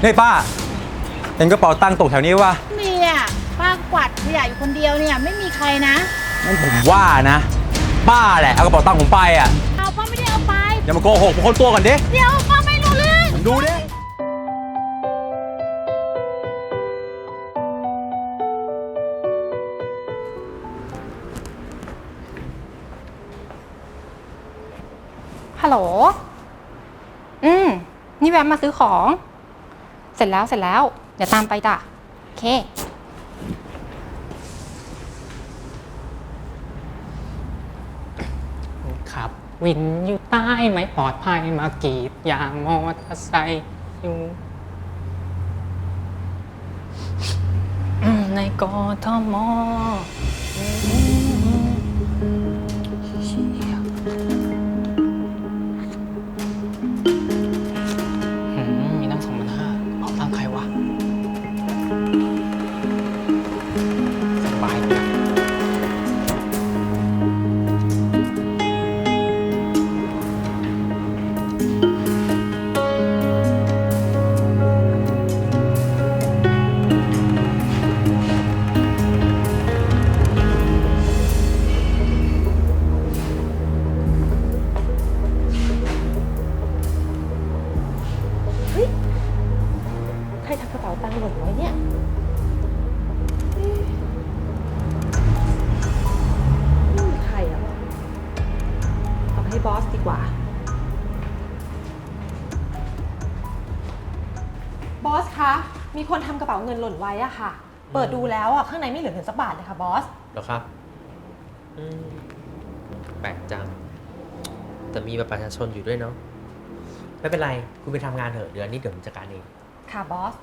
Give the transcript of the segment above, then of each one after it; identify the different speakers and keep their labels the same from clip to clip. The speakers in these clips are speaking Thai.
Speaker 1: นี่ป้าเห็นกระเป๋าตังค์ตกแถวนี้วะ
Speaker 2: มีอ่ะป้ากวาดขยะอยู่คนเดียวเนี่ยไม่มีใครนะ
Speaker 1: งั้นผมว่านะป้าแหละเอากระเป๋าตังค์ผมไปอ่ะ
Speaker 2: เอาป้าไม่ได้เอาไป
Speaker 1: อย่ามาโกหกผมคนตัวก่อนดิ
Speaker 2: เดี๋ยวป้าไม่รู้เรื่อง
Speaker 1: ผมดูดิ
Speaker 3: ฮัลโหลนี่แวะมาซื้อของเสร็จแล้วเดี๋ยวตามไปจ้ะโอเค
Speaker 4: ขับวินอยู่ใต้ไม่ปลอดภัยมากรีดยางมอเตอร์ไซค์อยู่ในกทมมีตั้ง2,500เอาตังค์ใครวะสบายดี
Speaker 2: ใครทำกระเป๋าตังค์หล่นไว้เนี่ยไม่มีใครอ่ะเอาให้บอสดีกว่า
Speaker 5: บอสคะ มีคนทำกระเป๋าเงินหล่นไว้อะค่ะ เปิดดูแล้วอะข้างในไม่เหลือเงินสักบาทเลยค่ะบอส
Speaker 6: เหรอครับแปลกจัง แต่มีบัตรประชาชนอยู่ด้วยเนาะ ไม่เป็นไร คุณไปทำงานเถอะ เดี๋ยวนี้เดี๋ยวผมจัดการเอง
Speaker 5: ค่ะบอส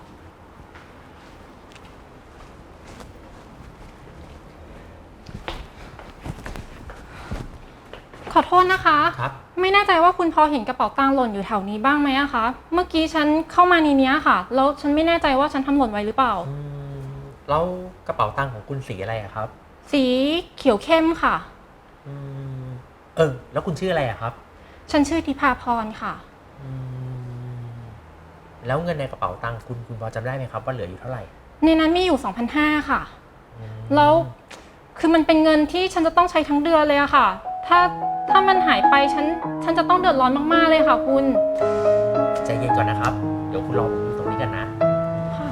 Speaker 3: ขอโทษนะคะ
Speaker 6: ครับ
Speaker 3: ไม่แน่ใจว่าคุณพอเห็นกระเป๋าตังค์หล่นอยู่แถวนี้บ้างไหมอะคะเมื่อกี้ฉันเข้ามาในนี้ค่ะแล้วฉันไม่แน่ใจว่าฉันทำหล่นไว้หรือเปล่า
Speaker 6: แล้วกระเป๋าตังค์ของคุณสีอะไรอะครับ
Speaker 3: สีเขียวเข้มค่ะ
Speaker 6: แล้วคุณชื่ออะไรอะครับ
Speaker 3: ฉันชื่อธิภาพรค่ะ
Speaker 6: แล้วเงินในกระเป๋าตังค์คุณพอจำได้ไหมครับว่าเหลืออยู่เท่าไหร่
Speaker 3: ในนั้นมีอยู่ 2,500 ค่ะแล้วคือมันเป็นเงินที่ฉันจะต้องใช้ทั้งเดือนเลยอะค่ะถ้ามันหายไปฉันจะต้องเดือดร้อนมากๆเลยค่ะคุณ
Speaker 6: ใจเย็นก่อนนะครับ เดี๋ยวคุณรอผมอยู่ตรงนี้กันนะ
Speaker 3: ค่ะ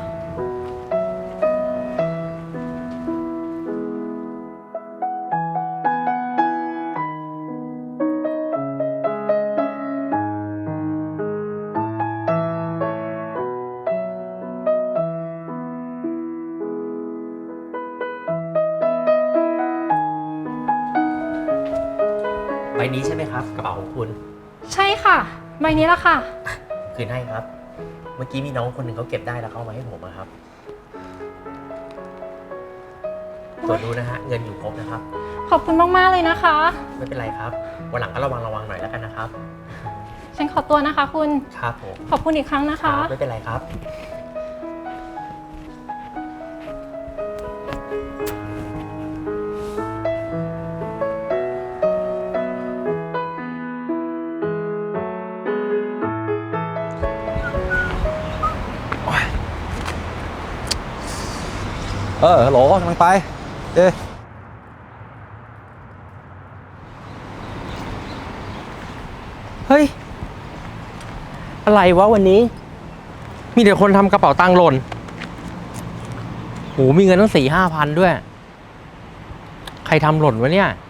Speaker 6: ใบนี้ใช่ไหมครับกระเป๋าของคุณ
Speaker 3: ใช่ค่ะใบนี้ละค่ะ
Speaker 6: คืนให้ครับ เมื่อกี้มีน้องคนหนึ่งเขาเก็บได้แล้วเขาเอามาให้ผมครับตรวจดูนะฮะเงินอยู่ครบนะครับ
Speaker 3: ขอบคุณมากๆเลยนะคะ
Speaker 6: ไม่เป็นไรครับวันหลังก็ระวังหน่อยแล้วกันนะครับ
Speaker 3: ฉันขอตัวนะคะคุณ
Speaker 6: ครับผม
Speaker 3: ขอบคุณอีกครั้งนะคะ
Speaker 6: ไม่เป็นไรครับ
Speaker 1: ฮัลโหลกำลังไป
Speaker 7: เฮ้ยอะไรวะวันนี้มีแต่คนทำกระเป๋าตังค์หล่นโหมีเงินตั้ง4-5 พันด้วยใครทำหล่นวะเนี่ย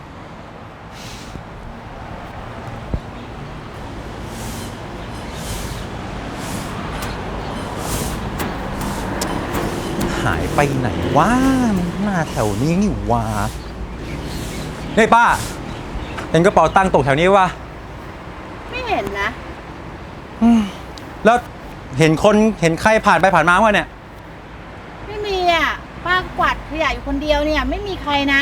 Speaker 1: หายไปไหนวะหน้าแถวนี้นี่วะนี่ป้าเห็นกระเป๋าตังค์ตกแถวนี้วะ
Speaker 2: ไม่เห็นนะ
Speaker 1: แล้วเห็นใครผ่านไปผ่านมาวะเนี่ย
Speaker 2: ไม่มีอ่ะป้ากวาดขยะอยู่คนเดียวเนี่ยไม่มีใครนะ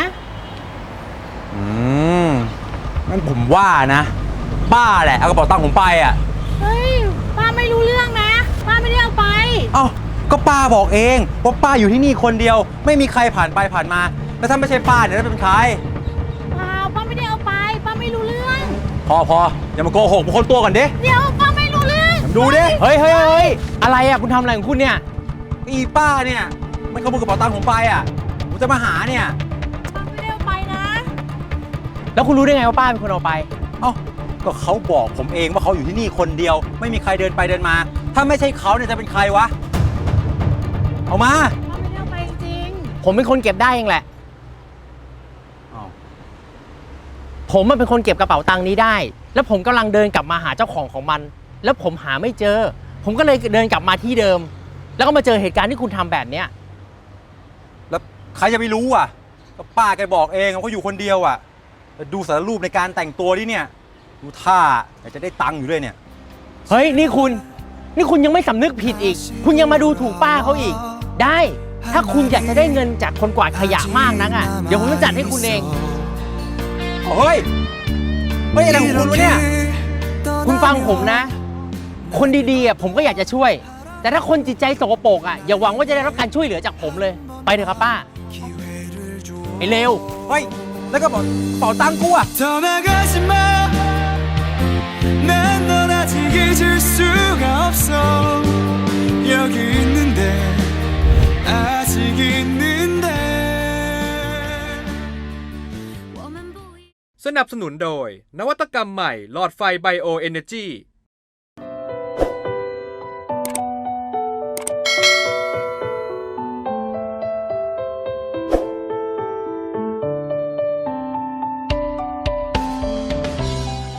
Speaker 1: งั้นผมว่านะป้าแหละเอากระเป๋าตังค์ผมไปอ่ะ
Speaker 2: เฮ้ยป้าไม่รู้เรื่องนะป้าไม่ได้เอาไป
Speaker 1: เอ้าก็ป้าบอกเองว่าป้าอยู่ที่นี่คนเดียวไม่มีใครผ่านไปผ่านมาแล้วถ้าไม่ใช่ป้าเนี่ยจะเป็นใคร
Speaker 2: เปล่าป้าไม่ได้เอาไปป้าไม่รู้เรื่อง
Speaker 1: พออย่ามาโกหกผมคนตัวก่อนดิ
Speaker 2: เดี๋ยวป้าไม่รู้เรื่อง
Speaker 1: ดูดิ
Speaker 7: เฮ้ยอะไรอ่ะคุณทำอะไรของคุณเนี่ย
Speaker 1: อีป้าเนี่ยมันขโมยกระเป๋าตังค์ผมไปอ่ะผมจะมาหาเนี่ย
Speaker 2: ไม่ได้เอาไปนะ
Speaker 7: แล้วคุณรู้ได้ไงว่าป้าเป็นคนเอาไป
Speaker 1: เอ้าก็เขาบอกผมเองว่าเขาอยู่ที่นี่คนเดียว ไม่มีใครเดินไปเดินมา ถ้าไม่ใช่เขาเนี่ยจะเป็นใครวะ เอามา
Speaker 2: ป้าไม่ได้เอาไปจริง
Speaker 7: ผมเป็นคนเก็บได้เองแหละ
Speaker 1: อ้าว
Speaker 7: ผมมันเป็นคนเก็บกระเป๋าตังค์นี้ได้ แล้วผมกำลังเดินกลับมาหาเจ้าของมัน แล้วผมหาไม่เจอ ผมก็เลยเดินกลับมาที่เดิม แล้วก็มาเจอเหตุการณ์ที่คุณทำแบบเนี้ย
Speaker 1: แล้วใครจะไปรู้อ่ะก็ป้าแกบอกเองว่าเขาอยู่คนเดียวอ่ะแต่ดูสารรูปในการแต่งตัวดิเนี่ย ดูท่าอยากจะได้ตังค์อยู่ด้วยเนี่ย
Speaker 7: เฮ้ยนี่คุณยังไม่สำนึกผิดอีก คุณยังมาดูถูกป้าเขาอีก ได้ ถ้าคุณอยากจะได้เงินจากคนกวาดขยะมากนักอ่ะ เดี๋ยวผมจะจัดให้คุณเอง
Speaker 1: เฮ้ยไม่อะไรของคุณวะเนี่ย
Speaker 7: คุณฟังผมนะ คนดีๆอ่ะผมก็อยากจะช่วย แต่ถ้าคนจิตใจสกปรกอ่ะอย่าหวังว่าจะได้รับการช่วยเหลือจากผมเลย ไปเถอะครับป้าไอ้เลว
Speaker 1: เฮ้ย แล้วก็บอกเป๋าตังค์กูอ่ะ
Speaker 8: 떠나가지 마 난 넌 아직 잊을 수가 없어 여기 있는데 아직 있는데
Speaker 9: สนับสนุนโดยนวัตกรรมใหม่หลอดไฟไบโอเอเนจี